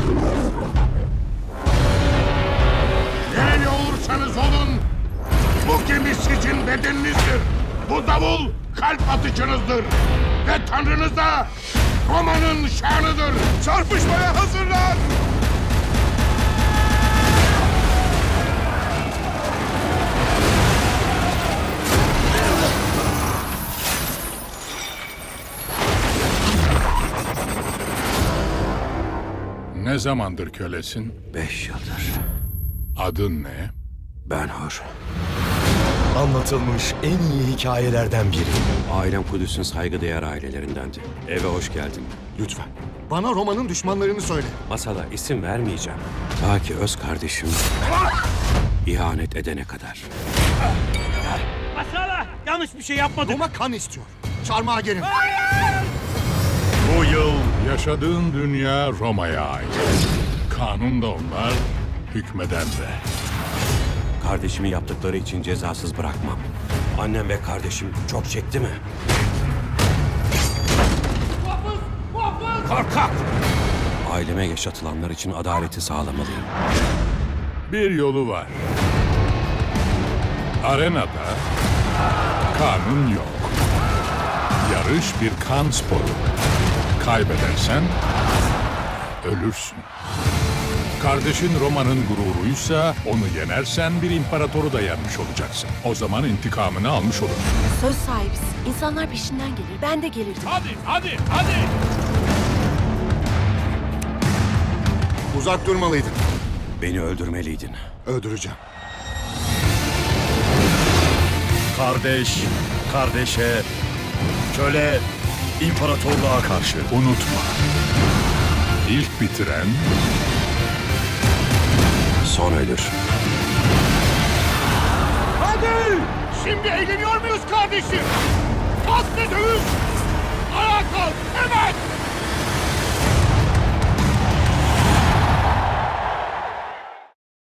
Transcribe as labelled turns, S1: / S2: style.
S1: Nereli olursanız olun, bu gemi sizin bedeninizdir. Bu davul kalp atışınızdır. Ve Tanrınız da Roma'nın şanıdır. Çarpışmaya hazırlan! Ne zamandır kölesin?
S2: 5 yıldır.
S1: Adın ne?
S2: Ben-Hur.
S3: Anlatılmış en iyi hikayelerden biri.
S2: Ailem Kudüs'ün saygıdeğer ailelerindendi. Eve hoş geldin.
S3: Lütfen. Bana Roma'nın düşmanlarını söyle.
S2: Masada isim vermeyeceğim. Ta ki öz kardeşim ihanet edene kadar.
S4: Masala! Yanlış bir şey yapmadım.
S3: Roma kan istiyor. Çarmıha gelin.
S1: Bu yıl yaşadığın dünya Roma'ya ait. Kanun da onlar, hükmeden de.
S2: Kardeşimi yaptıkları için cezasız bırakmam. Annem ve kardeşim çok çekti mi?
S1: Korkak!
S2: Aileme yaşatılanlar için adaleti sağlamalıyım.
S1: Bir yolu var. Arenada kanun yok. Yarış bir kan sporu. Kaybedersen ölürsün. Kardeşin Roma'nın gururuysa onu yenersen bir imparatoru da yenmiş olacaksın. O zaman intikamını almış olursun.
S5: Söz sahibisin. İnsanlar peşinden gelir. Ben de gelirdim.
S1: Hadi!
S3: Uzak durmalıydın.
S2: Beni öldürmeliydin.
S3: Öldüreceğim.
S6: Kardeş, kardeşe, köle, imparatorluğa karşı.
S1: Unutma. İlk bitiren
S2: Son ölür.
S1: hadi! Şimdi eğleniyor muyuz kardeşim? Kalk ve dövüş! Ayağa kalk! Hemen!